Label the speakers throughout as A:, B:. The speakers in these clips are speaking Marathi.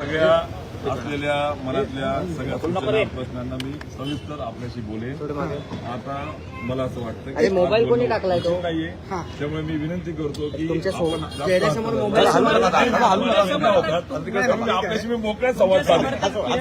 A: सगळ्या असलेल्या मनातल्या सगळ्या सूचना प्रश्नांना मी सविस्तर आपल्याशी बोलेन. आता मला असं वाटतं की
B: मोबाईल कोणी टाकलाय तो
A: नाहीये, त्यामुळे मी विनंती करतो की
B: चेहऱ्यासमोर मोबाईल
A: आपल्याशी मी मोकळ्या संवाद साधेन.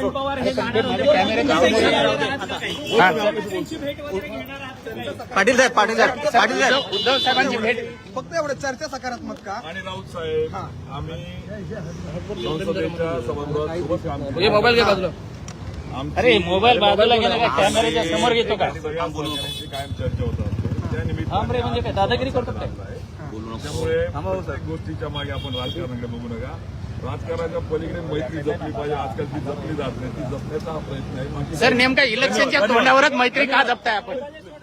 B: पाटील साहेब
C: उद्धव साहेबांची भेट फक्त एवढं चर्चा सकारात्मक का?
A: आणि राऊत साहेब आम्ही संसदेच्या सभागृहात सोबत काम केलं.
B: मोबाईल घे बाजूला.
A: अरे
B: मोबाईल बाजूला गेला का? कॅमेऱ्याच्या समोर घेतो का?
A: सगळ्या सहकाऱ्यांची कायम चर्चा होतात त्या
B: म्हणजे काय
A: निमित्ताने
B: दादागिरी करतो काय?
A: त्यामुळे प्रत्येक गोष्टीच्या मागे आपण राजकारणाकडे बघू नका. राजकारणाच्या पलीकडे मैत्री जपली पाहिजे. आजकाल ती जपली जात नाही, ती जपण्याचा हा प्रयत्न आहे. बाकी
B: सर नेमका इलेक्शनच्या तोंडावरच मैत्री का जपताय आपण?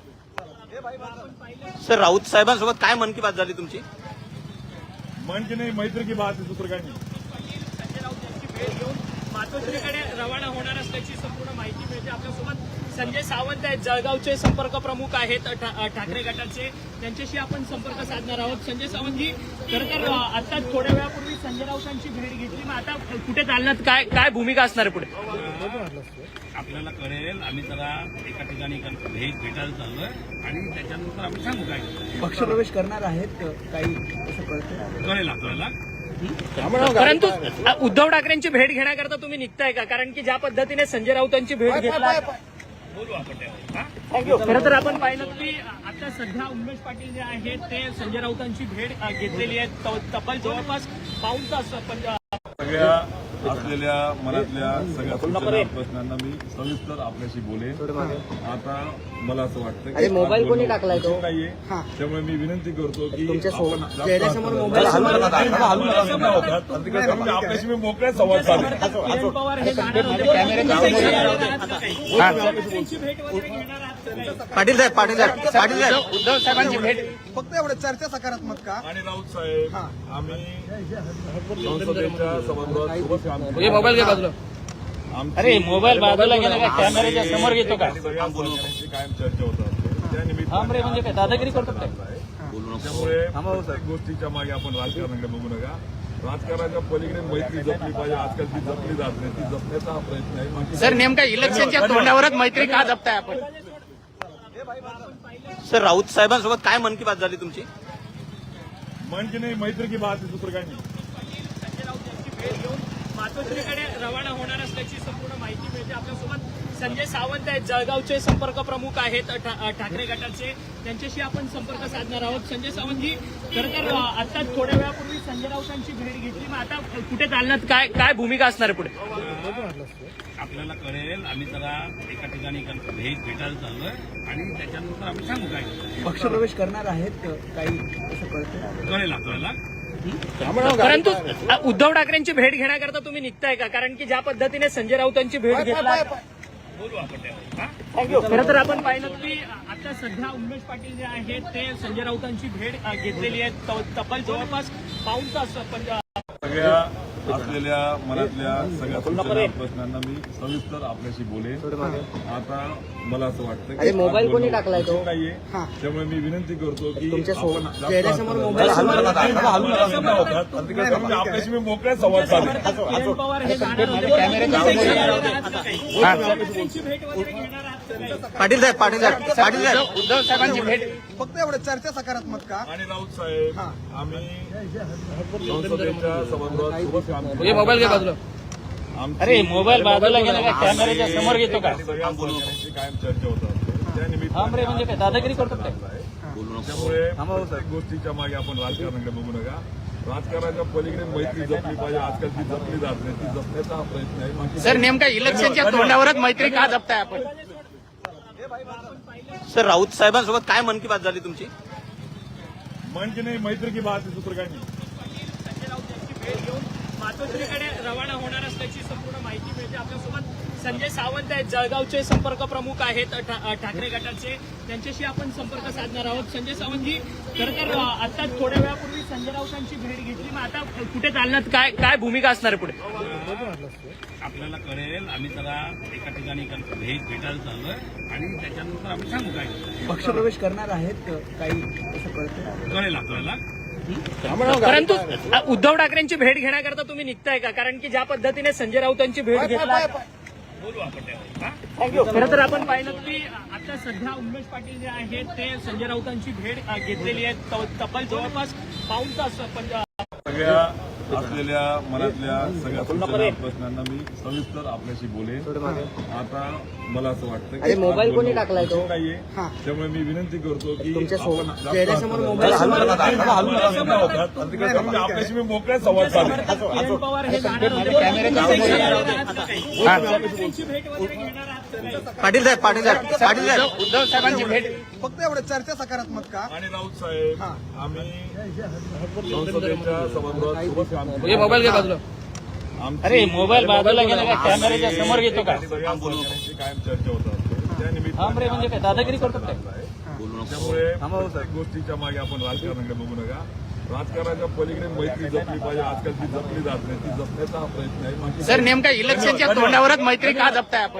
B: सर राऊत साहेबांसोबत काय मन की बात झाली तुमची?
A: म्हणजे नाही, मैत्री की बात आहे, दुसरं काही नाही.
D: संजय राऊत यांची भेट घेऊन मातोश्रीकडे रवाना होणार असल्याची संपूर्ण माहिती मिळते. आपल्यासोबत संजय सावंत आहेत, जळगावचे संपर्क प्रमुख आहेत ठाकरे गटाचे. त्यांच्याशी आपण संपर्क साधणार आहोत. संजय सावंतजी, खरं तर आता थोड्या वेळापूर्वी संजय राऊतांची भेट घेतली, मग आता कुठे चालण्यात काय भूमिका असणार आहे पुढे?
E: आपल्याला कळेल. आम्ही जरा एका ठिकाणी भेटायला चाललोय आणि त्याच्यानंतर आम्ही सांगू काय
C: पक्षप्रवेश करणार आहेत काही असं कळतं?
E: कळेल आपल्याला.
D: परंतु उद्धव ठाकरेंची भेट घेण्याकरता तुम्ही निघताय का? कारण की ज्या पद्धतीने संजय राऊतांची भेट घेतला,
E: बोलू आपण त्यावर.
D: खरं तर आपण पाहिलं की आता सध्या उमेश पाटील जे आहेत ते संजय राऊतांची भेट घेतलेली आहे. तब्बल जवळपास पाऊण तास
A: सगळ्या असलेल्या मनातल्या सगळ्या सूचना प्रश्नांना मी सविस्तर आपल्याशी बोलेन. आता मला असं वाटतं की
B: मोबाईल कोणी टाकलाय तो?
A: नाहीये, त्यामुळे मी विनंती करतो की
B: चेहऱ्यासमोर मोबाईल
A: आपल्याशी मी मोकळ्या संवाद साधेन.
D: किरण पवार हे जाणार होते. त्यांची भेट वगैरे घेणार आहात का काही?
B: पाटील साहेब
C: उद्धव साहेबांची भेट फक्त एवढं चर्चा सकारात्मक का?
A: आणि राऊत साहेब आम्ही संसदेच्या सभागृहात सोबत काम केलं.
B: मोबाईल घे बाजूला.
A: अरे
B: मोबाईल बाजूला गेला का? कॅमेऱ्याच्या समोर घेतो का?
A: सगळ्या सहकाऱ्यांची कायम चर्चा होतात त्या
B: म्हणजे
A: निमित्ताने
B: काय दादागिरी करतो काय?
A: त्यामुळे प्रत्येक गोष्टीच्या मागे आपण राजकारणाकडे बघू नका. राजकारणाच्या पलीकडे मैत्री जपली पाहिजे. आजकाल ती जपली जात नाही, ती जपण्याचा हा प्रयत्न आहे. बाकी
B: सर नेमका इलेक्शनच्या तोंडावरच मैत्री का जपताय आपण? सर राऊत साहेबांसोबत काय मन की बात झाली तुमची?
A: म्हणजे नाही, मैत्री की बात आहे, दुसरं काही नाही.
D: संजय राऊत यांची भेट घेऊन मातोश्रीकडे रवाना होणार असल्याची संपूर्ण माहिती मिळते. आपल्यासोबत संजय सावंत आहेत, जळगावचे संपर्क प्रमुख आहेत ठाकरे गटाचे. त्यांच्याशी आपण संपर्क साधणार आहोत. संजय सावंतजी, खरं तर आता थोड्या वेळापूर्वी संजय राऊतांची भेट घेतली, मग आता कुठे चालण्यात काय भूमिका असणार आहे पुढे?
E: आपल्याला कळेल. आम्ही जरा एका ठिकाणी भेटायला चाललोय आणि त्याच्यानंतर आम्ही सांगू काय
C: पक्षप्रवेश करणार आहेत काही असं कळतं?
E: कळेल आपल्याला.
D: परंतु उद्धव ठाकरेंची भेट घेण्याकरता तुम्ही निघताय का? कारण की ज्या पद्धतीने संजय राऊतांची भेट घेतला,
E: बोलू आपण त्यावर.
D: खरं तर आपण पाहिलं की आता सध्या उमेश पाटील जे आहेत ते संजय राऊतांची भेट घेतलेली आहे. तब्बल जवळपास पाऊण तास
A: सगळ्या असलेल्या मनातल्या सगळ्या सूचना प्रश्नांना मी सविस्तर आपल्याशी बोलेन. आता मला असं वाटतं की
B: मोबाईल कोणी टाकलाय तो?
A: नाहीये, त्यामुळे मी विनंती करतो की
B: चेहऱ्यासमोर मोबाईल
A: आपल्याशी मी मोकळ्या संवाद साधेन.
D: किरण पवार हे जाणार होते. त्यांची भेट वगैरे घेणार आहात का काही?
B: पाटील साहेब
C: उद्धव साहेबांची भेट फक्त एवढं चर्चा सकारात्मक का?
A: आणि राऊत साहेब आम्ही संसदेच्या सभागृहात सोबत काम केलं.
B: मोबाईल घे बाजूला. मोबाईल बाजूला गेला का? कॅमेऱ्याच्या समोर घेतो का?
A: सगळ्या सहकाऱ्यांची कायम चर्चा होतात त्या निमित्ताने
B: म्हणजे काय दादागिरी करतो काय?
A: त्यामुळे प्रत्येक गोष्टीच्या मागे आपण राजकारणाकडे बघू नका. राजकारणाच्या पलीकडे मैत्री जपली पाहिजे. आजकाल ती जपली जात नाही, ती जपण्याचा हा प्रयत्न आहे. बाकी
B: सर नेमका इलेक्शनच्या तोंडावरच मैत्री का जपताय आपण? सर राऊत साहेबांसोबत काय मन की बात झाली तुमची?
A: म्हणजे नाही, मैत्री की बात आहे, दुसरं काही नाही.
D: संजय राऊत यांची भेट घेऊन मातोश्रीकडे रवाना होणार असल्याची संपूर्ण माहिती मिळते. आपल्यासोबत संजय सावंत आहेत, जळगावचे संपर्क प्रमुख आहेत ठाकरे गटाचे. त्यांच्याशी आपण संपर्क साधणार आहोत. संजय सावंतजी, खरं तर आता थोड्या वेळापूर्वी संजय राऊतांची भेट घेतली, मग आता कुठे चालण्यात काय भूमिका असणार आहे पुढे?
E: आपल्याला कळेल. आम्ही जरा एका ठिकाणी भेटायला चाललोय आणि त्याच्यानंतर आम्ही सांगू काय
C: पक्षप्रवेश करणार आहेत काही असं कळतं?
E: कळेल आपल्याला.
D: परंतु उद्धव ठाकरेंची भेट घेण्याकरता तुम्ही निघताय का? कारण की ज्या पद्धतीने संजय राऊतांची भेट घेतला,
E: बोलू आपण त्यावर हा?
D: खरं तर आपण पाहिलं की आता सध्या उमेश पाटील जे आहेत ते संजय राऊतांची भेट घेतलेली आहे. तब्बल जवळपास पाऊण तास
A: सगळ्या असलेल्या मनातल्या सगळ्या सूचना प्रश्नांना मी सविस्तर आपल्याशी बोलेन. आता मला असं वाटतं की
C: मोबाईल कोणी टाकलाय तो?
A: नाहीये, त्यामुळे मी विनंती करतो की
C: तुमच्या
A: आपण जास्त
C: चेहऱ्यासमोर
A: हात
C: मोबाईल
A: हलवू नका. त्यामुळे आपल्याशी मी मोकळ्या संवाद साधेन.
D: किरण पवार हे जाणार होते. त्यांची भेट वगैरे घेणार आहात का काही?
C: पाटील साहेब
B: उद्धव साहेबांची भेट
C: फक्त एवढं चर्चा सकारात्मक का?
A: आणि राऊत साहेब, आम्ही संसदेच्या सभागृहात सोबत काम केलं.
B: मोबाईल घे बाजूला.
A: आमची
B: अरे मोबाईल बाजूला गेला का? कॅमेऱ्याच्या समोर घेतो का?
A: सगळ्या सहकाऱ्यांची कायम चर्चा होत असते. त्या
B: थांब रे, म्हणजे काय दादागिरी करतो काय?
A: त्यामुळे प्रत्येक गोष्टीच्या मागे आपण राजकारणाकडे बघू नका. राजकारणाच्या पलीकडे मैत्री जपली पाहिजे. आजकाल ती जपली जात नाही. ती जपण्याचा हा प्रयत्न आहे. बाकी
B: सर नेमका इलेक्शनच्या तोंडावरच मैत्री का जपताय आपण?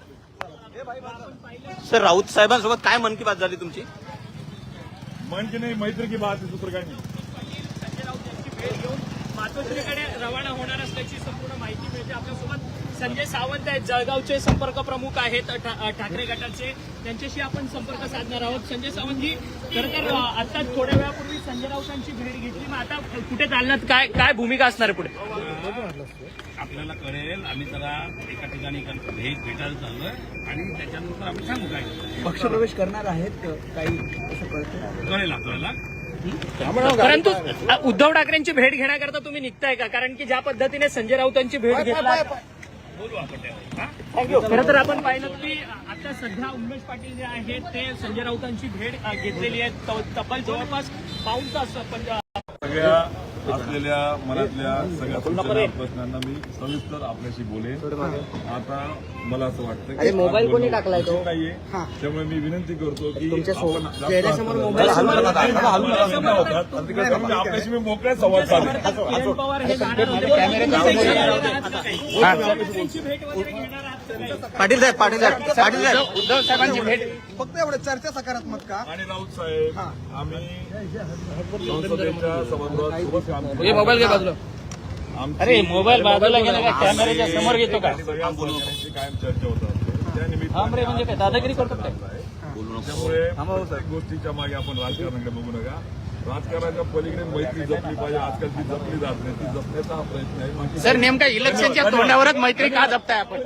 C: सर राऊत साहेबांसोबत काय मन की बात झाली तुमची?
A: म्हणजे नाही, मैत्री की बात आहे, दुसरं काही नाही.
D: संजय राऊत यांची भेट घेऊन मातोश्रीकडे रवाना होणार असल्याची संपूर्ण माहिती मिळते. आपल्यासोबत संजय सावंत आहेत, जळगावचे संपर्क प्रमुख आहेत ठाकरे गटाचे. त्यांच्याशी आपण संपर्क साधणार आहोत. संजय सावंतजी, खरं तर आता थोड्या वेळापूर्वी संजय राऊतांची भेट घेतली, मग आता कुठे चालणार? काय भूमिका असणार आहे पुढे?
E: आपल्याला कळेल. आम्ही जरा एका ठिकाणी भेटायला चाललोय आणि त्याच्यानंतर आम्ही सांगू काय
C: पक्षप्रवेश करणार आहेत काही असं कळतं?
E: कळेल आपल्याला.
D: परंतु उद्धव ठाकरेंची भेट घेण्याकरता तुम्ही निघताय का? कारण की ज्या पद्धतीने संजय राऊतांची भेट घेतला,
E: बोलू आपण त्यावर हा?
D: खरं तर आपण पाहिलं की आता सध्या उमेश पाटील जे आहेत ते संजय राऊतांची भेट घेतलेली आहे. तब्बल जवळपास पाऊण तास
A: सगळ्या असलेल्या मनातल्या सगळ्या सूचना प्रश्नांना मी सविस्तर आपल्याशी बोलेन. आता मला असं वाटतं की
C: मोबाईल कोणी टाकलाय तो?
A: नाहीये, त्यामुळे मी विनंती करतो की
C: तुमच्या
A: आपण जास्त
C: चेहऱ्यासमोर
A: हात
C: मोबाईल
A: हलवू नका. त्यामुळे आपल्याशी मी मोकळ्या संवाद साधेन.
D: किरण पवार हे जाणार होते.
B: कॅमेऱ्याच्या समोर
D: त्यांची भेट वगैरे घेणार आहात का काही?
C: पाटील साहेब
B: उद्धव साहेबांची भेट
C: फक्त एवढं चर्चा सकारात्मक का?
A: आणि राऊत साहेब, आम्ही संसदेच्या सभागृहात सोबत काम केलं.
B: मोबाईल घे बाजूला.
A: आमची
B: अरे मोबाईल बाजूला गेला का? कॅमेऱ्याच्या समोर घेतो का?
A: सगळ्या सहकाऱ्यांची कायम चर्चा होत असते. त्या
B: थांब रे,
A: निमित्ताने
B: म्हणजे काय दादागिरी करतो काय?
A: त्यामुळे प्रत्येक गोष्टीच्या मागे आपण राजकारणाकडे बघू नका. राजकारणाच्या पलीकडे मैत्री जपली पाहिजे. आजकाल ती जपली जात नाही. ती जपण्याचा हा प्रयत्न आहे. बाकी
B: सर नेमका इलेक्शनच्या तोंडावरच मैत्री का जपताय आपण?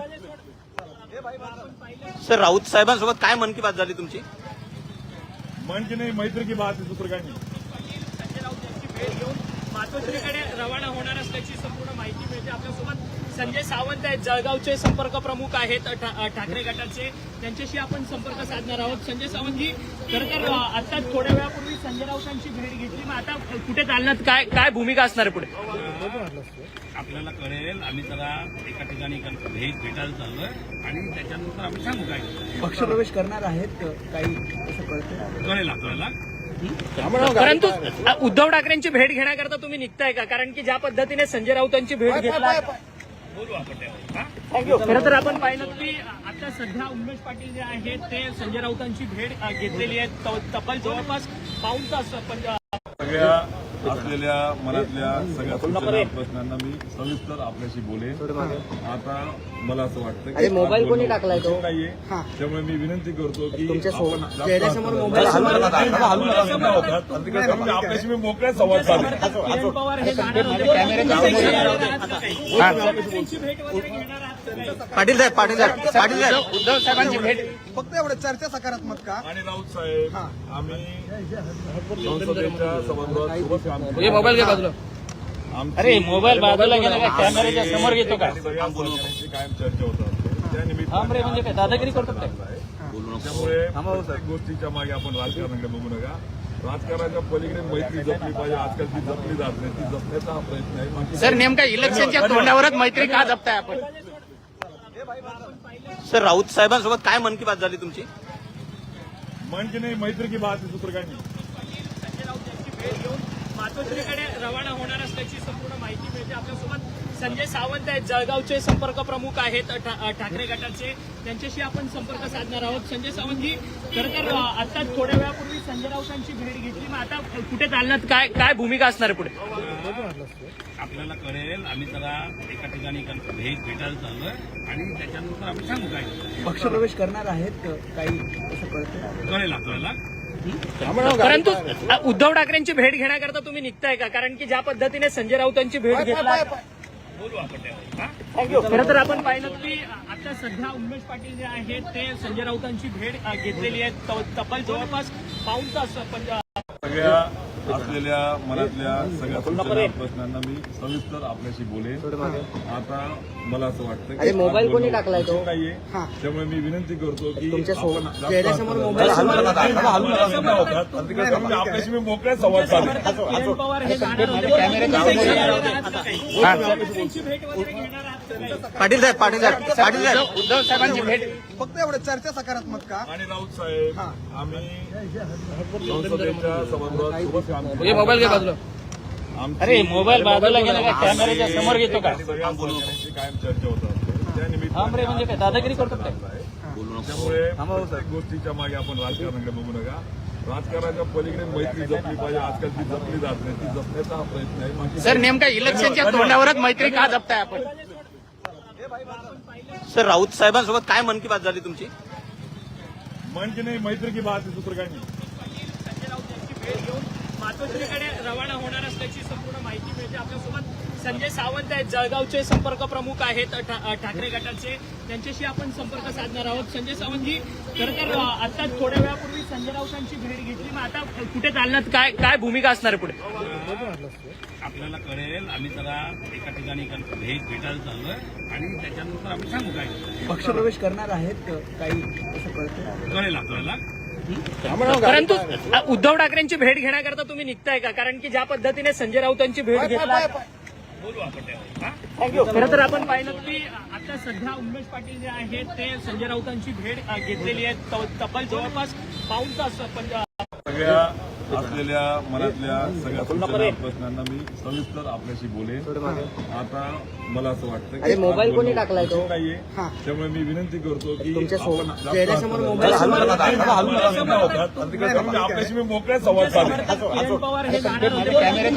C: सर राऊत साहेबांसोबत काय मन की बात झाली तुमची?
A: म्हणजे नाही, मैत्री की बात आहे, दुसरं काही नाही.
D: संजय राऊत यांची भेट घेऊन मातोश्रीकडे रवाना होणार असल्याची संपूर्ण माहिती मिळते. आपल्यासोबत संजय सावंत आहेत, जळगावचे संपर्क प्रमुख आहेत ठाकरे गटाचे. त्यांच्याशी आपण संपर्क साधणार आहोत. संजय सावंतजी, खरं तर आता थोड्या वेळापूर्वी संजय राऊतांची भेट घेतली, मग आता कुठे चालणार? काय भूमिका असणार आहे पुढे?
E: आपल्याला कळेल. आम्ही जरा एका ठिकाणी भेटायला चाललोय आणि त्याच्यानंतर आम्ही सांगू काय
C: पक्षप्रवेश करणार आहेत काही असं कळतं?
E: कळेल आपल्याला.
D: परंतु उद्धव ठाकरेंची भेट घेण्याकरता तुम्ही निघताय का? कारण की ज्या पद्धतीने संजय राऊतांची भेट घेतला,
E: बोलू आपण त्यावर हा?
D: खरं तर आपण पाहिलं की आता सध्या उमेश पाटील जे आहेत ते संजय राऊतांची भेट घेतलेली आहे. तब्बल जवळपास पाऊण तास
A: सगळ्या असलेल्या मनातल्या सगळ्या सूचना प्रश्नांना मी सविस्तर आपल्याशी बोलेन. आता मला असं वाटतं की
C: मोबाईल कोणी टाकलाय तो?
A: नाहीये, त्यामुळे मी विनंती करतो की आपण जास्त
C: चेहऱ्यासमोर
A: हात
C: मोबाईल
A: हलवू नका. त्यामुळे आपल्याशी मी मोकळ्या संवाद साधेन.
D: किरण पवार हे जाणार होते.
B: कॅमेऱ्याच्या समोर
D: त्यांची भेट वगैरे घेणार आहात का काही?
C: पाटील साहेब
B: उद्धव साहेबांची भेट
C: फक्त एवढं चर्चा सकारात्मक का?
A: आणि राऊत साहेब, आम्ही संसदेच्या सभागृहात सोबत काम केलं.
B: मोबाईल घे बाजूला.
A: आमची
B: अरे मोबाईल बाजूला गेला का? कॅमेऱ्याच्या समोर घेतो का?
A: सगळ्या सहकाऱ्यांची कायम चर्चा होत असते. त्या
B: थांब रे,
A: निमित्ताने
B: म्हणजे काय दादागिरी करतो काय?
A: त्यामुळे प्रत्येक गोष्टीच्या मागे आपण राजकारणाकडे बघू नका. राजकारणाच्या पलीकडे मैत्री जपली पाहिजे. आजकाल ती जपली जात नाही. ती जपण्याचा हा प्रयत्न आहे. बाकी
B: सर नेमका इलेक्शनच्या तोंडावरच मैत्री का जपताय आपण?
C: सर राऊत साहेबांसोबत काय मन की बात झाली तुमची?
A: म्हणजे नाही, मैत्री की बात आहे, दुसरं काही नाही.
D: संजय राऊत यांची भेट घेऊन मातोश्रीकडे रवाना होणार असल्याची संपूर्ण माहिती मिळते. आपल्यासोबत संजय सावंत आहेत, जळगावचे संपर्क प्रमुख आहेत ठाकरे गटाचे, त्यांच्याशी आपण संपर्क साधणार आहोत. संजय सावंतजी, खरं तर आता थोड्या वेळापूर्वी संजय राऊतांची भेट घेतली, मग आता कुठे चालण्यात काय भूमिका असणार आहे पुढे?
E: आपल्याला कळेल, आम्ही जरा एका ठिकाणी भेटायला चाललोय आणि त्याच्यानंतर आम्ही सांगू काय
C: पक्षप्रवेश करणार आहेत काही असं कळतंय?
E: कळेल आपल्याला.
D: परंतु उद्धव ठाकरेंची भेट घेण्याकरता तुम्ही निघताय का? कारण की ज्या पद्धतीने संजय राऊतांची भेट घेतला,
E: बोलू आपण त्यावर.
D: खरं तर आपण पाहिलं की आता सध्या उमेश पाटील जे आहेत ते संजय राऊतांची भेट घेतलेली आहे. तब्बल जवळपास पाऊण तास
A: सगळ्या असलेल्या मनातल्या सगळ्या सूचना प्रश्नांना मी सविस्तर आपल्याशी बोलेन. आता मला असं वाटतं की
C: मोबाईल कोणी टाकलाय तो?
A: नाहीये, त्यामुळे मी विनंती करतो की
C: तुमच्या
A: आपण जास्त
C: चेहऱ्यासमोर
A: हात
C: मोबाईल
A: हलवू नका. हलवू नका. त्यामुळे आपल्याशी मी मोकळ्या संवाद साधेन.
D: किरण पवार हे जाणार होते. त्यांची भेट वगैरे घेणार आहात का काही?
C: पाटील साहेब
B: उद्धव साहेबांची भेट
C: फक्त एवढं चर्चा सकारात्मक का?
A: आणि राऊत साहेब, आम्ही संसदेच्या सभागृहात सोबत काम केलं.
B: हे मोबाईल घे बाजूला.
A: आमची-
B: अरे मोबाईल बाजूला गेला का? कॅमेऱ्याच्या समोर घेतो का?
A: सगळ्या सहकाऱ्यांची कायम चर्चा होत असते. त्या
B: थांब रे, म्हणजे काय दादागिरी करतो काय?
A: त्यामुळे प्रत्येक गोष्टीच्या मागे आपण राजकारणाकडे बघू नका. राजकारणाच्या पलीकडे मैत्री जपली पाहिजे. आजकाल ती जपली जात नाही, ती जपण्याचा हा प्रयत्न आहे. बाकी-
B: सर, नेमका इलेक्शनच्या तोंडावरच मैत्री का जपताय आपण?
F: सर, राऊत साहेबांसोबत काय मन की बात झाली तुमची?
A: म्हणजे नाही, मैत्री की बात आहे, दुसरं काही नाही.
D: संजय राऊत यांची भेट घेऊन मातोश्रीकडे रवाना होणार असल्याची संपूर्ण माहिती मिळते. आपल्यासोबत संजय सावंत आहेत, जळगावचे संपर्क प्रमुख आहेत ठाकरे गटाचे, त्यांच्याशी आपण संपर्क साधणार आहोत. संजय सावंतजी, खरं तर आता थोड्या वेळापूर्वी संजय राऊतांची भेट घेतली, मग आता कुठे चालण्यात काय भूमिका असणार आहे पुढे?
E: आपल्याला कळेल, आम्ही जरा एका ठिकाणी भेटायला चाललोय आणि त्याच्यानंतर आम्ही सांगू काय
C: पक्षप्रवेश करणार आहेत काही असं कळतंय?
E: कळेल आपल्याला.
D: परंतु उद्धव ठाकरेंची भेट घेण्याकरता तुम्ही निघताय का? कारण की ज्या पद्धतीने संजय राऊतांची भेट घेतला,
E: बोलू आपण त्यावर.
D: खरं तर आपण पाहिलं की आता सध्या उमेश पाटील जे आहेत ते संजय राऊतांची भेट घेतलेली आहे. तब्बल जवळपास पाऊण तास
A: सगळ्या असलेल्या मनातल्या सगळ्या सूचना प्रश्नांना मी सविस्तर आपल्याशी बोलेन. आता मला असं वाटतं की
C: मोबाईल कोणी टाकलाय तो?
A: नाहीये, त्यामुळे मी विनंती करतो की
C: तुमच्या
A: आपण जास्त
C: चेहऱ्यासमोर
A: हात
C: मोबाईल
A: हलवू नका. हलवू नका. त्यामुळे आपल्याशी मी मोकळ्या संवाद साधेन.
D: किरण पवार हे जाणार होते.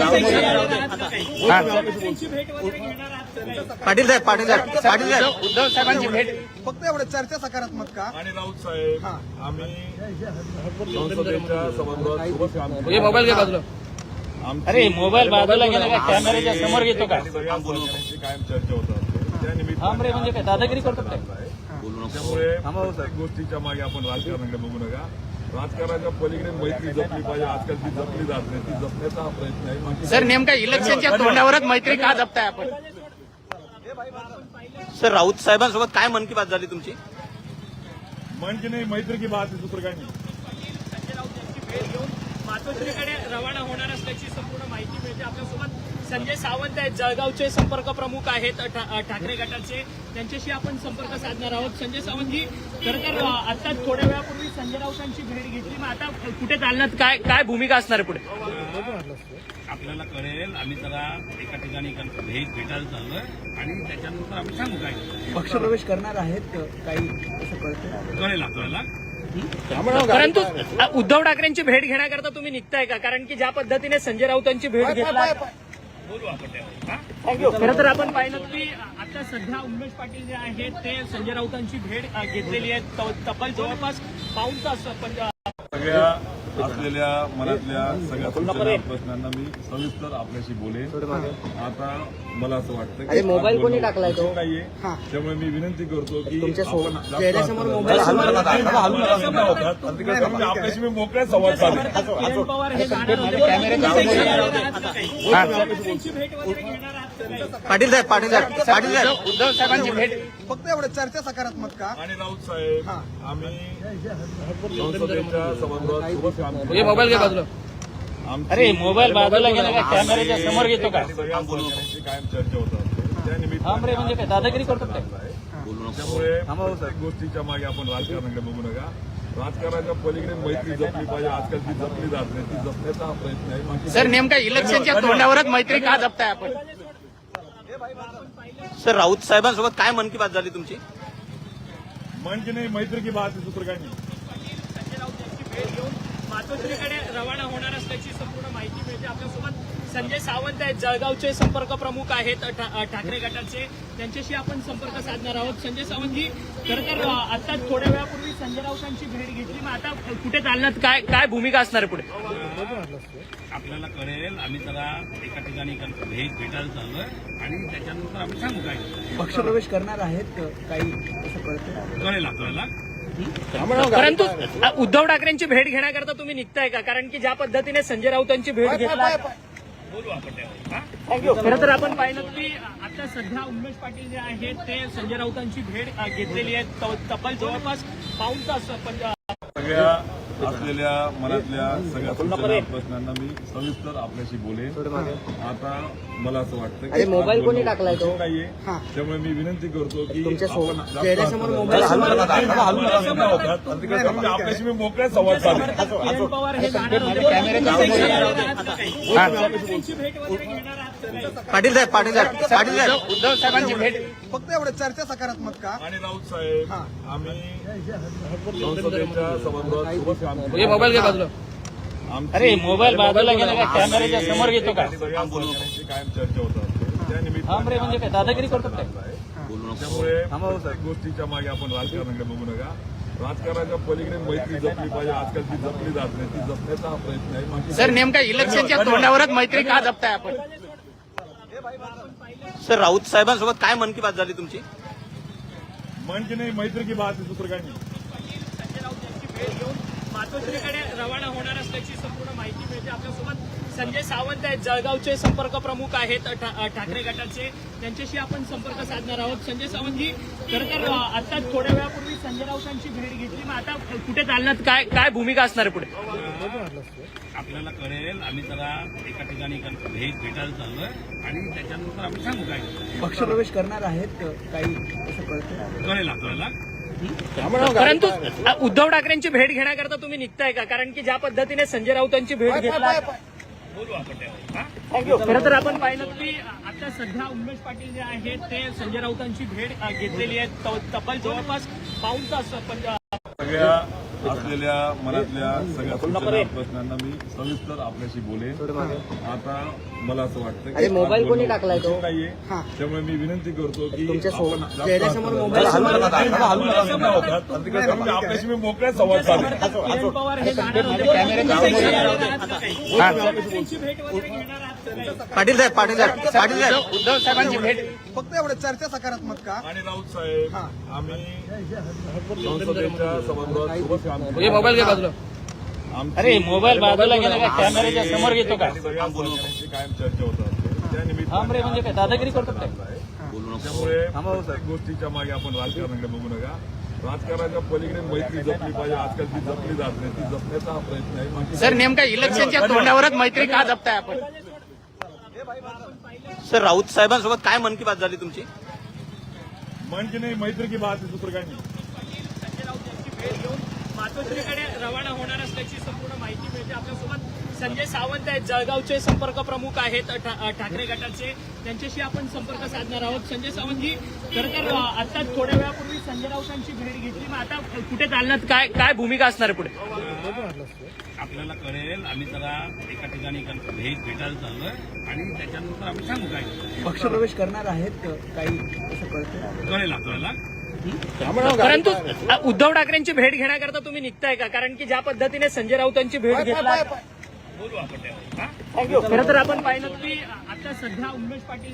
D: त्यांची भेट वगैरे घेणार आहात का काही?
C: पाटील साहेब
B: उद्धव साहेबांची भेट
C: फक्त एवढं चर्चा सकारात्मक का?
A: आणि राऊत साहेब, आम्ही संसदेच्या सभागृहात सोबत काम केलं.
B: हे मोबाईल घे बाजूला.
A: आमची-
B: अरे मोबाईल बाजूला गेला का? कॅमेऱ्याच्या समोर घेतो का?
A: सगळ्या सहकाऱ्यांची कायम चर्चा होत असते. त्या
B: थांब रे,
A: निमित्ताने
B: म्हणजे काय दादागिरी करतो काय?
A: त्यामुळे प्रत्येक गोष्टीच्या मागे आपण राजकारणाकडे बघू नका. राजकारणाच्या पलीकडे मैत्री जपली पाहिजे. आजकाल ती जपली जात नाही, ती जपण्याचा हा प्रयत्न आहे. बाकी-
B: सर, नेमका इलेक्शनच्या तोंडावरच मैत्री का जपताय आपण?
F: सर, राऊत साहेबांसोबत काय मन की बात झाली तुमची?
A: म्हणजे नाही, मैत्री की बात आहे, दुसरं काही नाही.
D: संजय राऊत यांची भेट घेऊन मातोश्रीकडे रवाना होणार असल्याची संपूर्ण माहिती मिळते. आपल्यासोबत संजय सावंत आहेत, जळगावचे संपर्क प्रमुख आहेत ठाकरे गटाचे, त्यांच्याशी आपण संपर्क साधणार आहोत. संजय सावंतजी, खरं तर आता थोड्या वेळापूर्वी संजय राऊतांची भेट घेतली, मग आता कुठे चालण्यात काय भूमिका असणार आहे पुढे?
E: आपल्याला कळेल, आम्ही जरा एका ठिकाणी भेटायला चाललोय आणि त्याच्यानंतर आम्ही सांगू काय
C: पक्षप्रवेश करणार आहेत काही असं कळतंय?
E: कळेल आपल्याला.
D: परंतु उद्धव ठाकरेंची भेट घेण्याकरता तुम्ही निघताय का? कारण की ज्या पद्धतीने संजय राऊतांची भेट घेतला,
E: बोलू आपण त्यावर.
D: खरं तर आपण पाहिलं की आता सध्या उमेश पाटील जे आहेत ते संजय राऊतांची भेट घेतलेली आहे. तब्बल जवळपास पाऊण तास
A: सगळ्या असलेल्या मनातल्या सगळ्या सूचना प्रश्नांना मी सविस्तर आपल्याशी बोलेन. आता मला असं वाटतं की
C: मोबाईल कोणी टाकलाय तो?
A: नाहीये, त्यामुळे मी विनंती करतो की
C: तुमच्या
A: आपण जास्त
C: चेहऱ्यासमोर
A: हात
C: मोबाईल
A: हलवू नका. हलवू नका. त्यामुळे आपल्याशी मी मोकळ्या संवाद साधेन.
D: किरण पवार हे जाणार होते. त्यांची भेट वगैरे घेणार आहात का काही?
C: पाटील साहेब
B: उद्धव साहेबांची भेट
C: फक्त एवढं चर्चा सकारात्मक का?
A: आणि राऊत साहेब, आम्ही संसदेच्या सभागृहात सोबत काम केलं.
B: हे मोबाईल घे बाजूला.
A: आमची-
B: अरे मोबाईल बाजूला गेला का? कॅमेऱ्याच्या समोर घेतो का?
A: सगळ्या सहकाऱ्यांची कायम चर्चा होत असते. त्या
B: थांब रे,
A: निमित्ताने
B: म्हणजे काय दादागिरी करतो काय?
A: त्यामुळे प्रत्येक गोष्टीच्या मागे आपण राजकारणाकडे बघू नका. राजकारणाच्या पलीकडे मैत्री जपली पाहिजे. आजकाल ती जपली जात नाही, ती जपण्याचा हा प्रयत्न आहे. बाकी-
B: सर, नेमका इलेक्शनच्या तोंडावरच मैत्री का जपताय आपण?
F: सर राऊत साहेबांसोबत काय मन की बात झाली तुमची?
A: मन की नाही, मैत्री की बात आहे, दुसरं काय नाही.
D: संजय राऊत यांची भेट घेऊन मातोश्रीकडे रवाना होणार असल्याची संपूर्ण माहिती मिळते. आपल्यासोबत संजय सावंत आहेत, जळगावचे संपर्क प्रमुख आहेत ठाकरे गटाचे. त्यांच्याशी आपण संपर्क साधणार आहोत. संजय सावंतजी, खरं तर आता थोड्या वेळापूर्वी संजय राऊतांची भेट घेतली, मग आता कुठे चालण्यात काय भूमिका असणार आहे पुढे?
E: आपल्याला कळेल. आम्ही जरा एका ठिकाणी भेटायला चाललोय आणि त्याच्यानंतर आम्ही सांगू काय
C: पक्षप्रवेश करणार आहेत काही असं कळतंय?
E: कळेल आपल्याला.
D: परंतु उद्धव ठाकरेंची भेट घेण्याकरता तुम्ही निघताय का? कारण की ज्या पद्धतीने संजय राऊतांची भेट घेतला,
E: बोलू आपण त्यावर.
D: खरं तर आपण पाहिलं की आता सध्या उमेश पाटील जे आहेत ते संजय राऊतांची भेट घेतलेली आहे. तब्बल जवळपास पाऊण तास
A: सगळ्या असलेल्या मनातल्या सगळ्या सूचना प्रश्नांना मी सविस्तर आपल्याशी बोलेन. आता मला असं वाटतं की मोबाईल कोणी टाकलाय तो नाहीये, त्यामुळे मी विनंती करतो की
C: चेहऱ्यासमोर मोबाईल
A: आपल्याशी मी मोकळ्या संवाद साधेन.
D: किरण पवार हे जाणार होते. त्यांची भेट वगैरे घेणार आहात का काही?
F: पाटील साहेब
B: उद्धव साहेबांची भेट
C: फक्त एवढं चर्चा सकारात्मक का?
A: आणि राऊत साहेब, आम्ही संसदेच्या सभागृहात सोबत काम केलं.
B: हे मोबाईल घे बाजूला.
A: आमची
B: अरे मोबाईल बाजूला गेला का? कॅमेऱ्याच्या समोर घेतो का?
A: सगळ्या सहकाऱ्यांची कायम चर्चा होतात. त्या
B: थांब रे, म्हणजे काय दादागिरी करतो काय?
A: त्यामुळे प्रत्येक गोष्टीच्या मागे आपण राजकारणाकडे बघू नका. राजकारणाच्या पलीकडे मैत्री जपली पाहिजे. आजकाल ती जपली जात नाही, ती जपण्याचा हा प्रयत्न आहे. बाकी
B: सर नेमका इलेक्शनच्या तोंडावरच मैत्री का जपताय आपण?
F: सर राऊत साहेबांसोबत काय मन की बात झाली तुमची?
A: मन की नाही, मैत्री की बात आहे, दुसरं काय नाही.
D: संजय राऊत यांची भेट घेऊन मातोश्रीकडे रवाना होणार असल्याची संपूर्ण माहिती मिळते. आपल्यासोबत संजय सावंत आहेत, जळगावचे संपर्क प्रमुख आहेत ठाकरे गटाचे. त्यांच्याशी आपण संपर्क साधणार आहोत. संजय सावंतजी, खरं तर आता थोड्या वेळापूर्वी संजय राऊतांची भेट घेतली, मग आता कुठे चालण्यात काय भूमिका असणार आहे पुढे?
E: आपल्याला कळेल. आम्ही जरा एका ठिकाणी भेटायला चाललोय आणि त्याच्यानंतर आम्ही सांगू काय
C: पक्षप्रवेश करणार आहेत काही असं कळतंय?
E: कळेल आपल्याला.
D: परंतु उद्धव ठाकरेंची भेट घेण्याकरता तुम्ही निघताय का? कारण की ज्या पद्धतीने संजय राऊतांची भेट घेतला,
E: बोलू आपण त्यावर.
D: खरं तर आपण पाहिलं की आता सध्या उमेश पाटील जे आहेत ते संजय राऊतांची भेट घेतलेली आहे. तब्बल जवळपास पाऊण तास
A: सगळ्या असलेल्या मनातल्या सगळ्या सूचना प्रश्नांना मी सविस्तर आपल्याशी बोलेन. आता मला असं वाटतं की मोबाईल कोणी टाकलाय तो नाहीये, त्यामुळे मी विनंती करतो की
C: चेहऱ्यासमोर मोबाईल
A: आपल्याशी मी मोकळ्या संवाद साधेन.
D: किरण पवार हे जाणार होते. त्यांची भेट वगैरे घेणार आहात का काही?
F: पाटील साहेब
B: उद्धव साहेबांची भेट
C: फक्त एवढं चर्चा सकारात्मक का?
A: आणि राऊत साहेब, आम्ही संसदेच्या सभागृहात सोबत काम केलं.
B: हे मोबाईल घे बाजूला.
A: आमची
B: अरे मोबाईल बाजूला गेला का? कॅमेऱ्याच्या समोर घेतो का?
A: सगळ्या सहकाऱ्यांची कायम चर्चा होतात. त्या
B: थांब रे,
A: निमित्ताने
B: म्हणजे काय दादागिरी करतो काय?
A: त्यामुळे प्रत्येक गोष्टीच्या मागे आपण राजकारणाकडे बघू नका. राजकारणाच्या पलीकडे मैत्री जपली पाहिजे. आजकाल ती जपली जात नाही, ती जपण्याचा हा प्रयत्न आहे. बाकी
B: सर नेमका इलेक्शनच्या तोंडावरच मैत्री का जपताय आपण?
F: सर राऊत साहेबांसोबत काय मन की बात झाली तुमची?
A: मन की नाही, मैत्री की बात आहे, दुसरं काय नाही.
D: संजय राऊत यांची भेट घेऊन मातोश्रीकडे रवाना होणार असल्याची संपूर्ण माहिती मिळते. आपल्यासोबत संजय सावंत आहेत, जळगावचे संपर्क प्रमुख आहेत ठाकरे गटाचे. त्यांच्याशी आपण संपर्क साधणार आहोत. संजय सावंतजी, खरं तर आता थोड्या वेळापूर्वी संजय राऊतांची भेट घेतली, मग आता कुठे चालण्यात काय भूमिका असणार आहे पुढे?
E: आपल्याला कळेल. आम्ही जरा एका ठिकाणी भेटायला चाललोय आणि त्याच्यानंतर आम्ही सांगू काय
C: पक्षप्रवेश करणार आहेत काही असं कळतंय?
E: कळेल आपल्याला.
D: परंतु उद्धव ठाकरेंची भेट घेण्याकरता तुम्ही निघताय का? कारण की ज्या पद्धतीने संजय राऊतांची भेट घेतला,
E: बोलू आपण त्यावर.
D: खरं तर आपण पाहिलं की आता सध्या उमेश पाटील